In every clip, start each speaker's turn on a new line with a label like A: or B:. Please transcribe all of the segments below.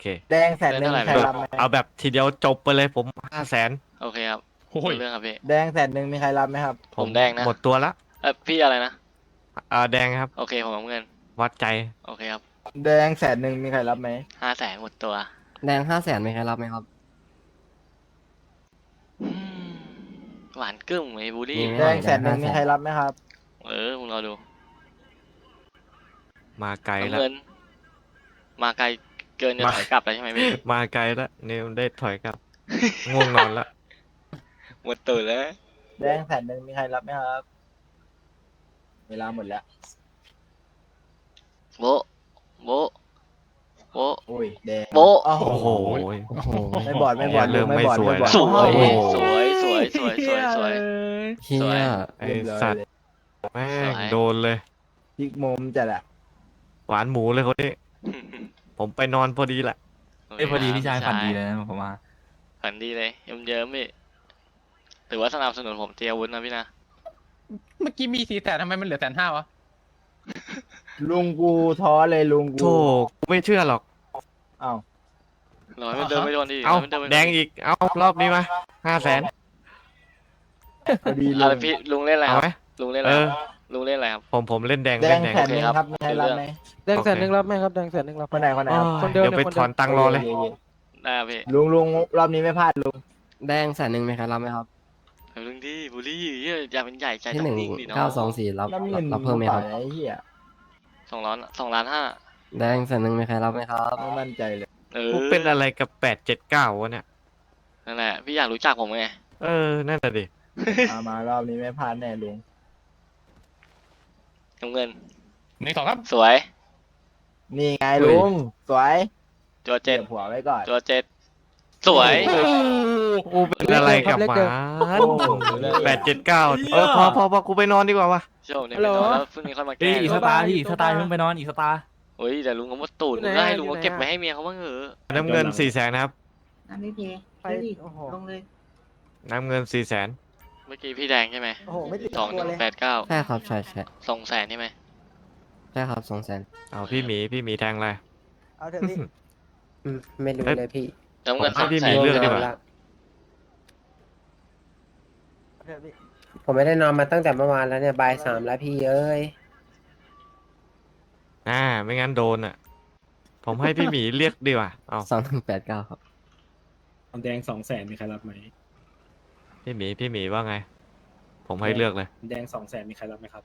A: เค
B: แดงแสนหนึ่งมีใคร
A: แบบ
B: รับไหม
A: เอาแบบทีเดียวจบไปเลยผม500,000
C: โอเคครับ
D: โอ้ย
C: เรื่องครับพี่
B: แดงแสนหนึ่งมีใครรับไหมครับ
C: ผมแดงนะ
A: หมดตัวละ
C: พี่อะไรนะ
A: แดงครับ
C: โอเคผมน้ำเงิน
A: วัดใจ
C: โอเคครับ
B: แดงแสนหนึ่งมีใครรับไหม
C: 500,000หมดตัว
E: แดง500,000มีใครรับไหมครับ
C: อืมหวานกึ้มไอ้บูลลี่
E: มีไหม
B: แดงแสนหนึ่งมีใครรับไหมครับ
C: มึงรอดู
A: มาไกลแล้ว
C: น้ำเงิน มาไกลเกินจะถอยกลับแล้วใช่ไหมพี่
A: มาไกลแล้วนิวได้ถอยกลับ ง่วงนอนละ
C: หมดตัวแล้ว
B: แดงแสนหนึ่งมีใครรับไหมครับ เวลาหมดแล้ว
C: โบะโบะโบะ
B: อุ้ยแดง
C: โบะ
B: โอ้
A: โอ้
B: โห
A: โห
B: ไม่บอดไม่บอด
A: เริ่มไม่
B: บอด
A: สวย
B: บอด
A: แล้ว
C: สวย
A: โอ้โห
C: สวยสวยสวยสวยสวย
E: เฮีย
A: ไอ
B: เรียบร้อย
A: สัตว์
B: เลย
A: แม่
C: ส
A: ง
C: วย
A: โดนเลย
B: พลิกมุมจัดอะ
A: หวานหมูเลยคนนี้ ผมไปนอนพอดีแหละ
F: พอดีพี่ชายฝันดีเลยนะผมว่า
C: ฝันดีเลยเยิ้มๆพี่ถือว่าสนับสนุนผมเตรียมอาวุธนะพี่นะ
D: เมื่อกี้มี400,000ทำไมมันเหลือ150,000วะ
B: ลุงกูท้อเลยลุง
A: โธ่
B: กู
A: กูไม่เชื่อหรอก
B: เอ้า
C: ร้อยมันเดินไม่โดนดิ
A: เอา
C: ร้ยมันดินไม่โน
A: แดงอีก เอารอบนี้มา500,000
B: พอดีลุ
C: อะไร
B: ง
C: พี่ลุงเล่นอะไร
A: เอา
C: ครับ
A: ไหม
C: ลุงเล่นอะไร
A: เอ
C: ค
A: อ
C: รับลุงเล่นอะไรครับ
A: ผมเล่นแดง
B: แด
A: เล่
B: ง
A: นแดง
B: แสนหนึ่งครับมีใครรับไหม
G: แดงแสนหนึ่งรับไหมครับแดงแสนหนึ่งรับไหม
B: คนไหนคนไหนครับ
G: คนเดิม
A: เดี๋ยวไป
G: เนี่ยคน
A: ถ
G: เดิม
A: อนตังค์รอเลย
C: ได้ครับพี่
B: ลุงรอบนี้ไม่พลาดลุง
E: แดงแสนหนึ่งมีใครรับไหมครับ
C: เอาลุงดิบูลลี่เหี้ยอย่าเป็นใหญ่ใจ
E: ที่
C: ต้อ
E: หนึ่
C: ง
E: ง
C: นิ่งดิเนาะ
E: 924รับ
B: น้ำเงิน
E: รับเพิ่มไหมครับ
B: ไอ้เหี้ย
C: 2,500,000
E: แดงแสนหนึ่งมีใครรับไหมครับ
B: ไม่มั่นใจเลย
A: กูเป็นอะไรกับ879วะเนี่ย
C: นั่นแหละพี่อยากรู้จักผมไง
A: เออ นั่นแหละดิ
B: มารอบนี้ไม่พลาดแน่ลุง
C: น้ำเงิน
D: 1 2ครับ
C: สวย
B: นี่ไงลุงสวย
C: ตัวเจ็ด
B: ก็บหัวไว้ก่อน
C: ตัวเจ็ดสวย
A: กูเป็นอะไรกับหมา879พอกูไปนอนดีกว่าวะ
C: โชคเนี่ยไปนอนแล้วพรุ่งนี้ค่อยมาแก้
F: อีกสตาร์อีกสตาร์เพิ่งไปนอนอีกสตาร์
C: เฮ้ยแต่ลุงก็มาตูดลุงก็ให้ลุงก็เก็บไว้ให้เมียเขาบ้างเหอะ
A: น้ำเงิน400,000นะครับ
H: น้ำไม่เพไปดิ
G: โอ้โห
H: ลงเลย
A: น้ำเงิน400,000
C: เมื่อกี้พี่แดงใช่ไหม
G: โอ้โหไม่ติด
C: สองห
G: ตัว
C: นึ่ง
G: เลย
C: แปดเก้า
E: ใช่ครับใช่ใช่
C: 200,000ใช่ไหม
E: ใช่ครับ200,000
A: เอาพี่หมีแทงอะไร
G: เอาเถอะพี่
E: ไม่รู้
A: เอ๊ะ
E: เลยพี่
C: น้ำเงิน
A: ผมให้พี่หมี
C: 200,000
A: เลือกดีกว่า
G: เอาเถอะพี่
E: ผมไม่ได้นอนมาตั้งแต่เมื่อวานแล้วเนี่ยบ่าย3แล้วพี่เอ้ย
A: ไม่งั้นโดนอ่ะ ผมให้พี่หมีเรียกดีกว่าเอา
E: 2189ครับ
I: แดง200,000มีใครรับไหม
A: พี่หมีว่าไง ผมให้เลือกเลย
I: แดง200,000มีใครรับไหมครับ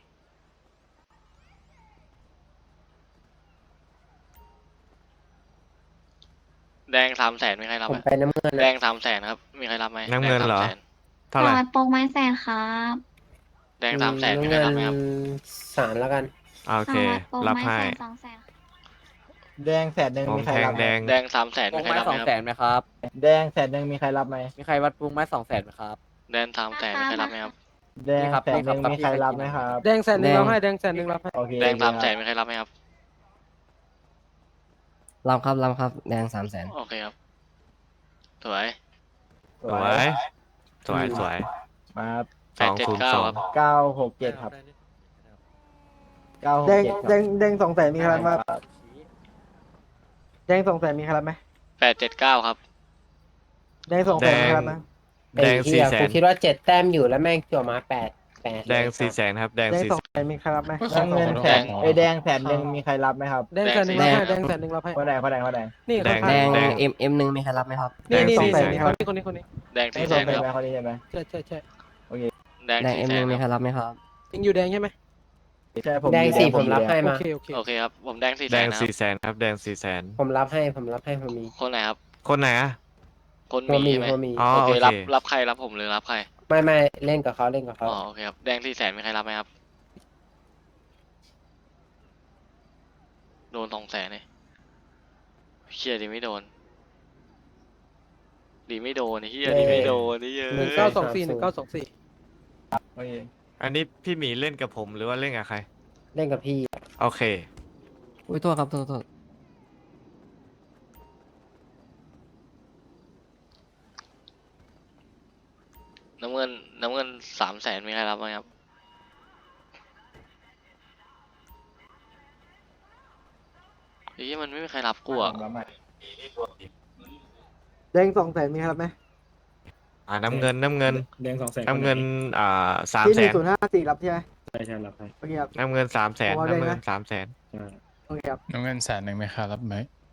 C: แดง300,000มีใครรับ
E: ผ
C: ไห
E: ม
C: ม
E: ไปน้ำเงิน
C: แดง300,000ครับมีใครรับไหม
A: น้ำเงินเหรอ
C: แดง
A: เท่าไหร่
H: โปกไม้แสนครับ
C: 300,000แดง300,000มีใครรับไหมครับ
E: 3แล้วกัน
A: โอเค
H: โปก
A: รับ
H: ไม้
A: ให้
H: แสน200,000
B: แดงแสนหนึ่ง
A: ผม
B: มีใคร
A: แทง
B: รับไหม
A: แดง
C: แดง300,000มีใครรับไหมครับ
G: ไหมครับ
B: แดงแสนหนึ่งมีใครรับไหม
G: มีใครวัดปรุงไม้200,000ไหมครับ
C: แดง300,000มีใครรับไหมครับ
B: แดงแสนหนึ่งมีใครรับไหมครับ
G: แดงแสนหนึ่งรับให้แดงแสนหนึ่งรับให้
B: โอเค
C: แดง300,000มีใครรับไหมครับ
E: รับครับแดง300,000
C: โอเคครับสวย
B: ส
A: ส
B: ว
A: วย ย สวย
B: มา
C: 879ครับ
B: 967ครับ967
G: แดง
B: ครับ
G: แดง200,000มีใครรับไหมแดง200,000มีใครรับไหม
C: 879ครับ
G: แดง200,000มีใครรับไหม
A: แดง400,000
E: กูคิดว่า7แต้มอยู่แล้วแม่งจั่วมา8
A: แดง400,000ครับ แดง
G: แดง
A: 400,000
G: 200,000มีใครรับไหม
B: น้ำเงินแสนไอยแดงแสนหนึ่งมีใครรับไหมครับ
G: แดงแสนหนึ่งรับให้แดงแสนหนึ่งรับให้
B: คนไหนคนไหนคนไหน
G: นี่
A: แดง
G: คน
E: แด
G: ข้าง
E: ง
A: แดง
E: M1 มีใครรับไหมครับ
G: นี่
A: แดง
G: 200,000
A: 400,000
G: มีคนนี้
C: แดง
B: ไม่สนใจ
C: 400,000
B: ไหม
C: ครับ
B: คนนี้ใช่ไหม
G: ใช่
C: แดง
E: แดง
C: 400,000
E: M1 มี
C: ค
E: ใคร
C: รับ
E: รับไหมครับ
G: ยังอยู่แดงใช่ไหม
B: ใช่ผม
E: แดง
B: อยู่
E: สี่
B: แด
E: ผมรับให้
G: โอ
E: มา
G: เคโอเค
C: โอเคครับผมแดง
A: แดง
C: 400,000นะครับ
A: 400,000ครับ แดง400,000
E: ผมรับให้ผมมี
C: คนไหนครับ
A: คนไหนอะ
C: คน
E: หัว
C: มี
E: มี
C: ใช่ไหม
E: หัวมี
A: อ๋อ
C: โอเค
A: โอเค
C: รับใครรับผมหรือรับใคร
E: ไม่เล่นกับเขา
C: อ๋อโอเคครับแดง400,000มีใครรับไหมครับโดน200,000เลยเฮียดีไม่โดนไอ้เฮียดีไม่โดนนี่เยอะ
G: 1924
B: โอเค
A: อันนี้พี่หมีเล่นกับผมหรือว่าเล่นกับใคร
E: เล่นกับพี่
A: โอเค
E: อุ้ยโทษครับโทษ
C: น้ำเงิน300,000มีใครรับไหมครับเฮ้ยมันไม่มีใครรับกูอ่ะ
B: รับใหม่
G: แดง200,000มีใครรับไหม
A: น้ำเงินน้ำเงิน
I: แดง200,000
A: น้ำเงิน300,000
G: ที่1054รับใช่ไหม
I: ใช่ใช่รับให้
G: โอเคครับ
A: น้ำเงิน300,000
G: พอได้
A: น้ำ
G: ไหม
A: เงิน300,000
I: ใช่
G: โอเคครับ
D: น้ำเงิน100,000ไหมครับรับไหม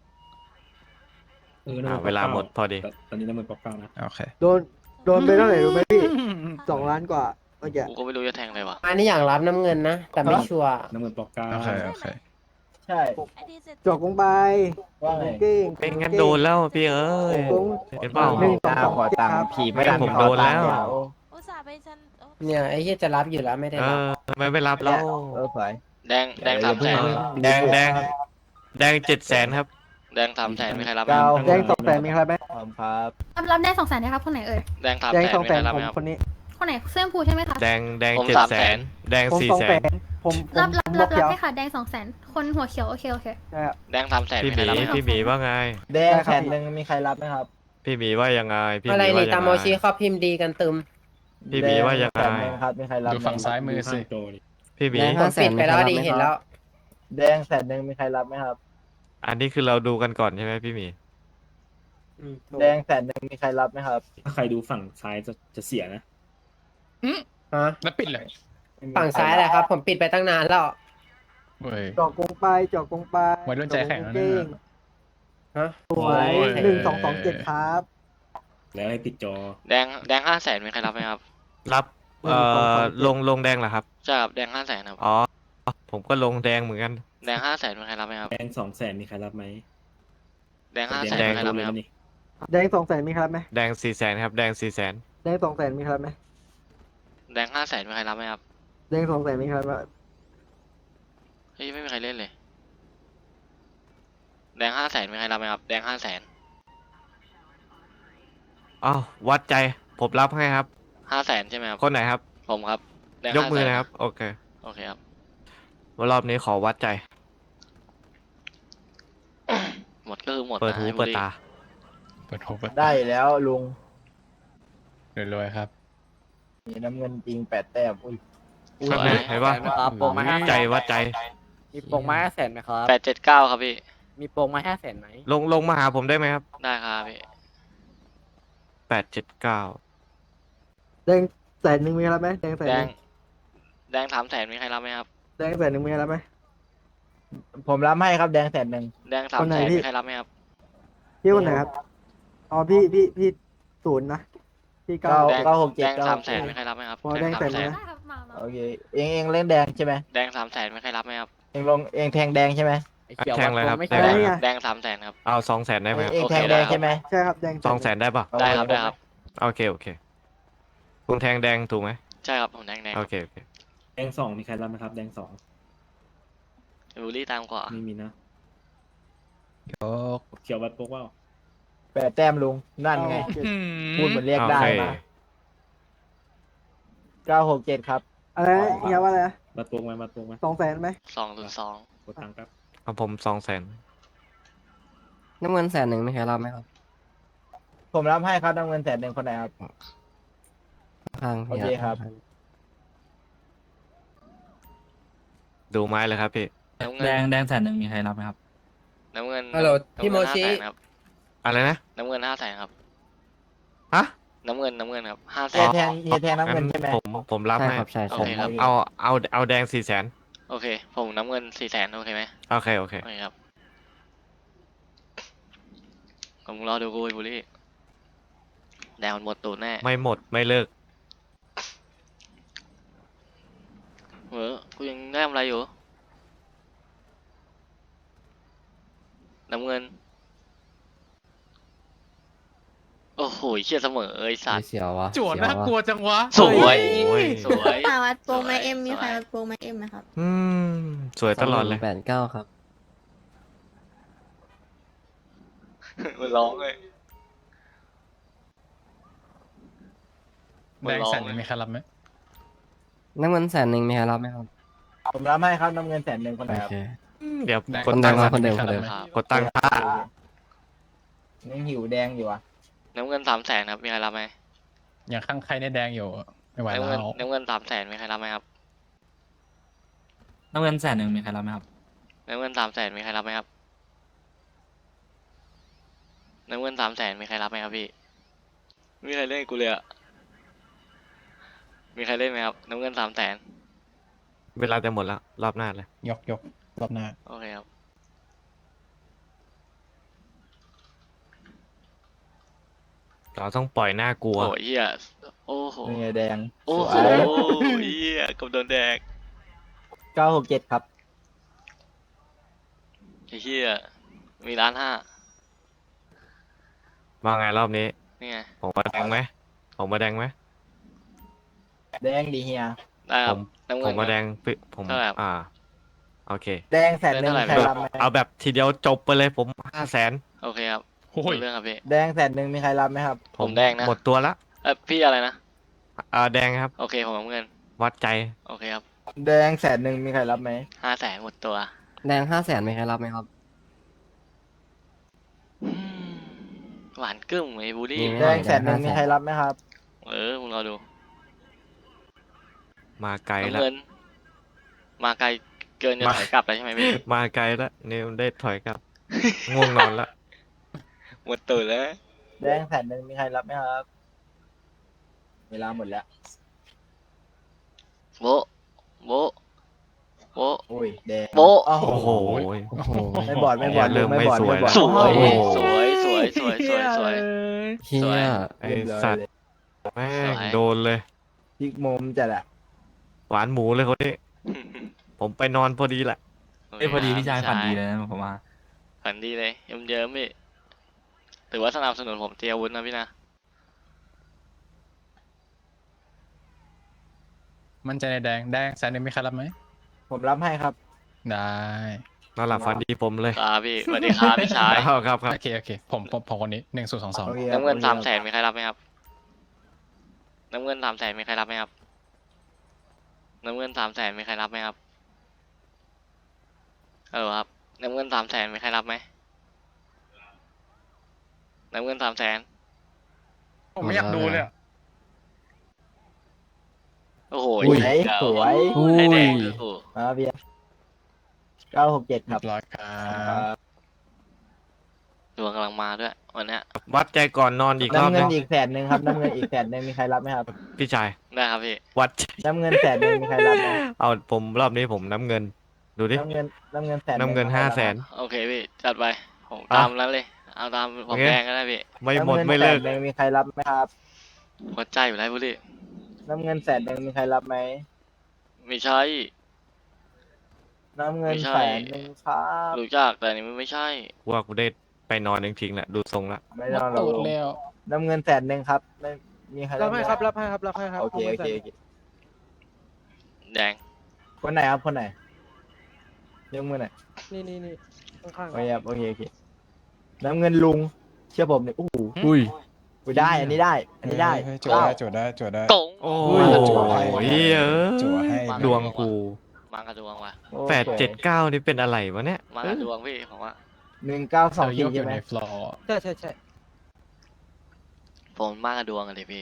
A: เวลาหมดพอดี
I: ตอนนี้น้ำมันป๊อกเก้านะ
D: โอเค
G: โดนไปเท่าไหร่รู้ไหมพี่2 ล้านกว่าเมื่อกี้
C: กูก็ไม่รู้จะแทงอะไรวะ
E: อันนี้อย่างรับน้ำเงินนะ แต่ไม่ชัวร์
I: น้ำมันป๊อกเก้า
D: โอเคโอเค
B: ใช่
G: จอกกงไป
B: ว่าไง
G: เก้ง
A: เป็นงั้นโดนแล้วพี่เอ้ย
G: กง
A: เห็นเปล่า
G: หนึ่ง
B: จ้าขอตังค์ผีไม่
A: ผมโดนแล้ว
H: อุตส่าห์ไปฉัน
E: เนี่ยไอ้ที่จะรับอยู่แล้วไม่ได้
A: เอ
E: รับ
A: อทำไมไม่รับแล้ว
B: สวย
C: แดง300,000
A: แดง700,000 ครับ
C: แดง300,000มีใครรับไหม
B: เก้า
G: แดง200,000มีใครรับไหม
B: พร้อมครับ
H: รับได้200,000นะครับคนไหนเอ่ย
C: แดง
G: แดง
C: 300,000มีใครรับ
G: 200,000
C: ไห
G: ผม ม
C: ครับ
G: คนนี้
H: คนไหนเสื้อชมพูใช่ไหมคะ
A: แดง
C: ผม
A: 700,000 แดง
G: ผม
A: 400,000
G: ผม
H: รับ
G: หัวเขียว
H: ให้ค่ะแดง200,000คนหัวเขียวโอเค
G: ใช่ครับ
C: แดง300,000
A: พี่
C: มี
A: ห
C: ใคร
A: มี
C: รับไหมครับ
A: พี่หมีว่าไง
B: แดงแผ่นหนึ่งมีใครรับไหมครับ
A: พี่หมีว่ายังไงพี่ห
E: อะไร
A: มีว่า
E: นี่
A: ยั
E: ตาม
A: ง
E: โม
A: ไง
E: ชิเขาพิมพ์ดีกันตึม
A: พี่หมีว่ายังไง
B: แดแผ่นหนึ่งครับมีใครรับ
D: ดู
B: ไหม
D: ฝั่งซ้ายมือสิ
I: โจดิ
A: พี่หมี
E: ผมปิดไปแล้วดีเห็นแล้ว
B: แดงแผ่นหนึ่งมีใครรับไหมครับ
A: อันนี้คือเราดูกันก่อนใช่ไหมพี่หมี
B: แดงแผ่นหนึ่งมีใครรับไหมครับ
I: ถ้าใครดูฝั่งซ้ายจะเสียนะ
E: ฮะ
D: แล้วปิดเลย
E: ฝั่งซ้ายแหละครับ ผมปิดไปตั้งนานแล้ว
D: เว้ย
G: จอกกงไปจอกกงไป
D: วัยรุ่นใจแข็งแล้วนะ
G: เก้ง
E: ฮะ
G: สวย
D: โอ้ย
G: 1227ครับ
I: แล้วให้ปิดจอ
C: แดง500,000มีใครรับไหมครับ
A: รับลงแดงเหรอครับ
C: ใช่ครับแดง500,000ครับ
A: อ๋อผมก็ลงแดงเหมือนกัน
C: แดง500,000มีใครรับไหมครับ
I: แดง200,000มีใครรับไหม
C: แดง500,000มีใครรับไหมครับ
I: นี่
G: แดง200,000มีใครรับไหม
A: แดง400,000ครับแดง400,000
G: แดง200,000มีใครรับไหม
C: แดง500,000มีใครรับไหมครับ
G: แดง200,000มีใครรับไหม
C: เฮ้ยไม่มีใครเล่นเลย แดง500,000มีใครรับไหมครับแดง500,000
A: อ้าววัดใจผมรับให้ครับ
C: 500,000ใช่ไหมครับ
A: คนไหนครับ
C: ผมครับแดง
A: ยกมือ
C: 500,000
A: นะครับ โอเค
C: โอเคครับ
A: รอบนี้ขอวัดใจ
C: หมดก็คือหมด
A: เปิด
C: นะ
A: หู
C: ไอ้บุ
A: เปิด
C: รี
A: ตา
D: เปิดโฮเปิด
B: ได้แล้วลุง
D: รวยๆครับ
B: มีน้ำเงินจริง8 แต้มอุ้ย
C: สวย
A: เห็นปะ
D: โปรมา
A: ใจวัดใจ
G: มีโปรงไม้500,000ไหมครับ
C: 879ครับพี่
G: มีโปรงไม้500,000ไหม
A: ลงมาหาผมได้ไหมครับ
C: ได้ครับพี่
A: 879
G: แดง100,000มีใครรับไหมแดง100,000
C: แดง300,000มีใครรับไหมครับ
G: แดง100,000มีใครรับไหม
B: ผมรับให้ครับแดงแผ่นหนึ่ง
C: แดง
G: คนไหน
C: 300,000
G: พี่
C: มีใครรับไหมครับ
G: พี่คนไหนครับอ๋อพี่ศูนย์นะพี่เก้า
C: แดง
B: 967
C: แดง300,000มีใครรับไหมครับ
G: พอแดงแสน
C: 300,000
G: นะ
H: ได้ครับมา
B: โอเคเองเล่นแดงใช่ไหม
C: แดง300,000มีใครรับไหมครับ
B: เองแทงแดงใช่ไหม
A: แทงเลยครับ
G: แดงไง
C: แดง300,000ครับ
A: เอา200,000ได้ไหมครับ
B: เอง
C: โอเค
B: แทงแดงใช่ไหม
G: ใช่ครับแดง
A: 200,000ได้ปะ
C: ได้ครับได้ครับ
A: โอเคคุณแทงแดงถูกไหม
C: ใช่ครับผมแดง
A: โอเค
I: แดง2มีใครรับไหมครับ แดง2
C: บูลลี่ตามกว่า
I: ไม่มีนะ
D: ยก
I: เขียววัดโป๊กว่า
B: 8 แต้มลุงนั่นไงพูดเหมือนเรียกได้
A: โอเค
B: มา967ครับ
G: อะไรนะเฮียว่าอะไรนะ
I: วัดโป๊กไหมวัดโป๊กไหม
G: 200,000ไหม
C: 202
I: กดตังค์ครับ
A: เอาผม200,000
E: น้ำเงิน100,000มีใครรับไหมครับ
B: ผมรับให้ครับน้ำเงินแผ่นหนึ่งคนไหนครับ
E: ข้าง
B: โอเคครับ
A: ดูไม้เลยครับพี่
C: น้ำเงิ
F: แด
C: น
F: ง100,000มีใครรับไหมครับ
C: น้ำเงิน
E: ฮัลโหลพี่โมชิ
C: 500,000ครับ
A: อะไรนะ
C: น้ำเงิน500,000ครับ
A: ฮะ
C: น้ำเงินครับ
B: เฮียแทงน้ำเงินใช่ไหม
A: ผมรับให้
E: ใช่
C: โอเคครับ
A: เอาแดง400,000
C: โอเค ผมน้ำเงิน400,000โอเคไหม
A: โอเค
C: โอเคครับผมรอดูกูไอ้บุรีแดงมันหมดตูดแน่
A: ไม่หมดไม่เลิก
C: กูยังได้ทำอะไรอยู่ น้ำเงิน โอ้โหเชี่ยเสมอไอ้สัตว์
E: เสียววะ
D: จวดน่ากลัวจังวะ
C: สวย
A: โอ้ย
C: สวย
H: ป่าวัดโปรงไม้
C: สวย
H: เอ็มมีใคร
C: สวย
H: วัดโปรงไม้เอ็มไหมครับ
A: อืมสวยตลอดเลย
E: 89ครับ
C: มันร้องเลย
D: แดง100,000มีใครรับไหม
E: น้ำเงิน100,000มีใครรับไหมครับ
B: ผมรับให้ครับน้ำเงินแผ่นหนึ่งคนไหน
E: โอ
B: ครับ
E: เค
A: เดี๋ยว
D: แดง
A: กดตังค์
E: คนเดิม
D: รับไห
C: ครับ
A: กดตังค์
B: ยังหิวแดงอยู่อ่ะ
C: น้ำเงิน300,000ครับมีใครรับไหม
D: อย่างข้างใครในแดงอยู่ไม่ไหว
C: น้ำ
D: แล้
C: เงิน
D: ว
C: น้ำเงิน300,000มีใครรับไหมครับ
F: น้ำเงิน100,000มีใครรับไหมครับ
C: น้ำเงิน300,000มีใครรับไหมครับน้ำเงิน300,000มีใครรับไหมครับพี่ไม่มีใครเล่นกับกูเลยอะมีใครเล่นไหมครับน้ำเงิน300,000
A: เวลาจะหมดแล้ว รอบหน้าเลย
D: ยกรอบหน้า
C: โอเคครับ
A: เราต้องปล่อยหน้ากลัว
C: โอ้ยเหี้ยโอ้โห
B: นี่ไงแดง
C: โอ้โห
B: สวย
C: เหี้ยกับโดนแดก
B: 967ครับ
C: ไอ้เหี้ยมี1,500,000
A: มาไงรอบนี้
C: นี่ไง
A: ผมมาแดงไหมผมมาแดงไหม
B: แดงดีเฮีย
C: ได้ครับ
A: ผม
C: น้ำเงิ
A: ผ
C: น
A: มมาแดงผม
C: เท่าไหร่ครับ
A: โอเค
B: แดง100,000มีใครรับไหม
A: เอาแบบทีเดียวจบไปเลยผม500,000
C: โอเคครับ
D: โอ้ย
C: รู้เรื่องครับพี่
B: แดง100,000มีใครรับไหมครับ
C: ผมแดงนะ
A: หมดตัวละ
C: พี่อะไรนะ
A: แดงครับ
C: โอเคผมน้ำเงิน
A: วัดใจ
C: โอเคครับ
B: แดง100,000มีใครรับไหม
C: 500,000หมดตัว
E: แดง500,000ไหมครับรับไหมครับ
C: อืมหวานกึ้มไอ้บูลลี่
E: มีไหม
B: แดง100,000มีใครรับไหมครับ
C: มึงรอดู
A: มาไกล
C: น้ำ
A: แล้ว
C: เงิน มาไกลเกินจะถอยกลับแล้วใช่ไหมพี่
A: มาไกลแล้วนิวได้ถอยกลับ ง่วงนอนแล้ว
C: หมดตื่นแล้ว
B: แดง100,000มีใครรับไหมครับ เวลาหมดแล้ว
C: โบะโบะโบะ
B: โอ้ยแดง
C: โบ๊ะ
B: อ้าว
A: โอ้โห
E: โอ้โห
B: ไม่บอดไม่บอด
A: เริ่มไม่สวย
B: บอด
C: สวย
B: โอ้โห
C: สวยสวยสวยสวยสวย
E: เฮีย
A: ไอสัตว์แม่ง
C: สวย
A: โดนเลย
B: พลิกมุมจัดอะ
A: หวานหมูเลยคนนี้ ผมไปนอนพอดีแหละ
F: เอ้ยพอดีพี่ชายฝันดีเลยนะผมว่า
C: ฝันดีเลยเยิ้มๆพี่ถือว่าสนับสนุนผมเตรียมอาวุธนะพี่นะ
D: มั่นใจในแดง100,000มีใครรับไหม
B: ผมรับให้ครับ
D: ได้
A: นอนหลับฝันดีผมเลย
C: ครับพี่สวัสดีครับพี่ชาย
A: ครับครับ
D: โอเคผมคนนี้1022
B: โอเคครับ
C: น้ำเงิน
B: โอเคครับ
C: 300,000มีใครรับไหมครับน้ำเงิน300,000มีใครรับไหมครับน้ำเงิน300,000มีใครรับไหมครับครับน้ำเงิน300,000มีใครรับไหมน้ำเงิน300,000
D: ผมไม่อยากดูเลยอะ
C: โอ้โห
B: อุ้ย
C: เก่า
B: สวย
C: ไอ้แดงโอ้โห
B: มาเบียร์967 ครับ
D: เรียบร้อยครับ
C: ดวงกำลังมาด้วยวันเนี้ย
A: วัดใจก่อนนอนอีกรอบ
B: น้ำเงิ
A: นึ
B: น
A: ง
B: อีก100,000ครับ น้ำเงินอีก100,000มีใครรับไหมครับ
A: พี่ชาย
C: ได้ครับพี่
A: วัดใจ
B: น้ำเงิน100,000มีใครรับไหม
A: เอาผมรอบนี้ผมน้ำเงิน ดูดิ
B: น้ำเงิน100,000
A: น้ำเงิน500,000
C: โอเคพี่จัดไปผม
A: อ่ะ
C: ตามนั้นเลย เอาตามผม
A: โอเค
C: แดงก็ได้พี่
A: ไม่หมดไม่เลิก
B: น้ำเงิน100,000มีใครรับไหมครับ
C: หัวใจอยู่แล้วบุรี
B: น้ำเงิน100,000มีใครรับไหม
C: ไม่ใช่
B: น้ำเงิน
C: ไม่ใช่
B: 100,000ครับ
C: รู้จักแต่อันนี้มันไม่ใช่
A: ว่ากูได้ไปนอนจริงๆแหละดูทรงละ
B: ไม่ต้องหรอก
D: ตูดแล้ว
B: น้ำเงิน100,000ครับไม่มีใครรับไหมครับรับให้ครับโอเคโอเคโอเค
C: แดง
B: คนไหนครับคนไหนยกมือหน่อย
G: นี่ข้าง
B: โอเคครับโอเคโอเคน้ำเงินลุงเชื่อผมเนี่ยโอ้โห
F: อุ้ย
B: อุ๊ยได้อันนี้ได้ อันนี้ได้
D: เฮ้ยจั่วได้
C: กง
A: โอ้
B: อุ้
A: ย
B: ย
D: จั่วให้
A: ดวงกู
C: มากระดวงว่ะ
B: โอ้
A: 879นี่เป็นอะไรวะเนี่ย
C: มากระดวงพี่ผมว่า
B: 192
D: เรายกอ
B: ใช่
D: ยู่
B: ไหม
D: ในฟลอร์
G: ใช่
C: ผมมากระดวงอะเลยพี่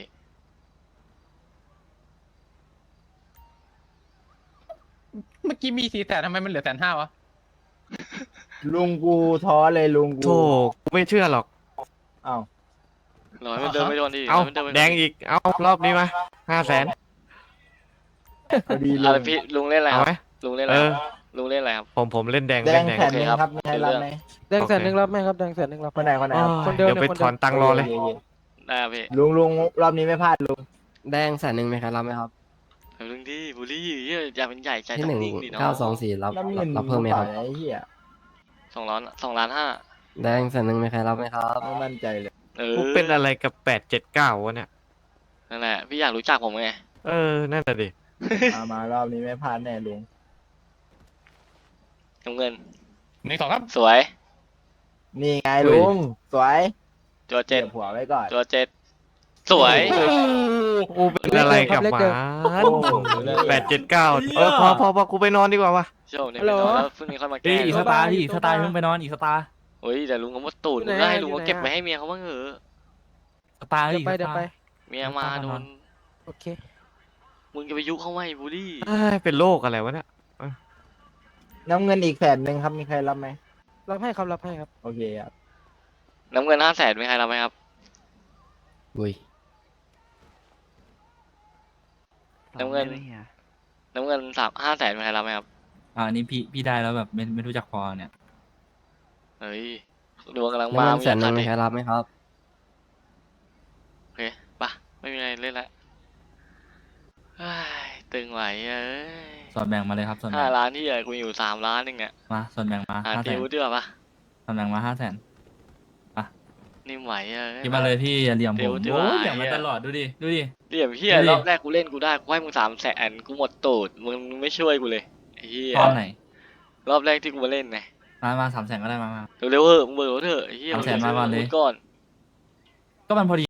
D: เมื่อกี้มี400,000ทำไมมันเหลือ150,000วะ
B: ลุงกูท้อเลยลุงกู
A: โธ่กูไม่เชื่อหรอก
B: อ้าว
C: ร้อยมันเดินไม่โดนดิ
A: เอา
C: ร้ยมันดินไม่โน
A: แดงอีก เอารอบนี้มา500,000
B: พอดีลุ
C: อะไร
B: ง
C: พี่ลุงเล่นอะไร
A: เอา
C: ครับ
A: ไหม
C: ลุงเล่นอะไร
A: เอ
C: ค
A: อ
C: รับลุงเล่นอะไรครับ
A: ผมเล่นแดง
B: แด
A: เล่
B: ง
A: นแดง
B: 100,000ครับมีใครรับไหม
G: แดง100,000รับไหมครับแดง100,000รับ
B: คนไหนคนไหนครับ
G: คนเดิม
A: เดี๋ยวไป
G: เนี่ยคน
A: ถ
G: เดิม
A: อนตังค์รอเลย
B: โคโค
C: ได้ครับพี่
B: ลุงรอบนี้ไม่พลาดลุง
E: แดง100,000มีใครรับไหมครับ
C: เดี๋ยวลุงดิบุรีเหี้ยอย่าเป็นใหญ่ใจ
E: ที่
C: ต้องนิ่งดิเนาะ
E: 1924รับ
B: น้ำเงิน
E: รับเพิ่มไหมครับ
B: ไอ้เหี้ย
C: 2,500,000
E: แดง100,000มีใครรับไหมครับ
B: ไม่มั่นใจเลย
A: กูเป็นอะไรกับ879วะเนี่ย
C: นั่นแหละพี่อยากรู้จักผมไง
A: เออ นั่นแหละดิ
B: มารอบนี้ไม่พลาดแน่ลุง
C: น้ำเงิน
D: 1 2ครับ
C: สวย
B: นี่ไงลุงสวย
C: ตัวเจ็ด
B: ก็บหัวไว้ก่อน
C: ตัวเจ็ดสวย
A: กูเป็นอะไรกับหมา879พอกูไปนอนดีกว่าวะ
C: โชคเนี่ยไม่นอนแล้วพรุ่งนี้ค่อยมา
F: เอ้
C: แก้
F: ยอีกสตาร์พี่อีกสตาร์เพิ่งไปนอนอีกสตาร์
C: เฮ้ยแต่ลุงก็มดตูดลุงก็ให้ลุงก็เก็บไว้ให้เมียเขาบ้างเหอะ
F: สตาร์
G: เดี๋
F: อี
G: ยว
F: ก
G: ไป
F: ส
G: เดี๋ยว
F: ตา
G: ไป
F: ร์
C: เมียมาโดน
G: โอเค
C: มึงจะไปยุเขาไหมบูลลี่
A: เอ้ยเป็นโรคอะไรวะเนี่ย
B: น้ำเงินอีก100,000ครับมีใครรับไหม
G: รับให้ครับรับให้ครับ
B: โอเคครับ
C: น้ำเงิน500,000มีใครรับไหมครับ
E: อุ้ย
C: น้ำเงิน น้ำเงิน500,000มีใครรับไหมครับ
F: อันนี้พี่ได้แล้วแบบไม่รู้จักพอเนี่ย
C: เฮ้ยดวงกำลังมาแสนนึงมีใครรับไหมครับโอเคปะไม่มีอะไรเล่นละเฮ้ยตึงไหวเอ้ย
F: ส่วนแบ่งมาเลยครับส่วนแบ่ง
C: 5 ล้านที่ใหญ่กูมีอยู่3 ล้านเองเนี่ย
F: มาส่วนแบ่งมา
C: หา
F: 500,000
C: ติวดีกว่าปะ
F: ส่วนแบ่งมา500,000
C: นิ่มไหวเอ้ย
F: คิดมาเลยพี่อย่าเหลี่ยมผม
C: เดี๋ยว
F: โอ้ย
C: เดี๋ยว
F: เหลี่ยมมา
C: ไอ้เหี้ย
F: ตลอดดูดิดูดิ
C: เหลี่ยมเฮีย
F: ดูดิ
C: รอบแรกกูเล่นกูได้กูให้มึง300,000กูหมดตูดมึงไม่ช่วยกูเลยไอ้เฮีย
F: ตอนไหน
C: รอบแรกที่กูมาเล่นไง
F: มา300,000ก็ได้มา
C: เร็วๆเถอะมึงเบิกรถเถอะไอ้เฮีย
F: 300,000มาก่อนเลย
C: ก่อน
F: ก็มันพอดี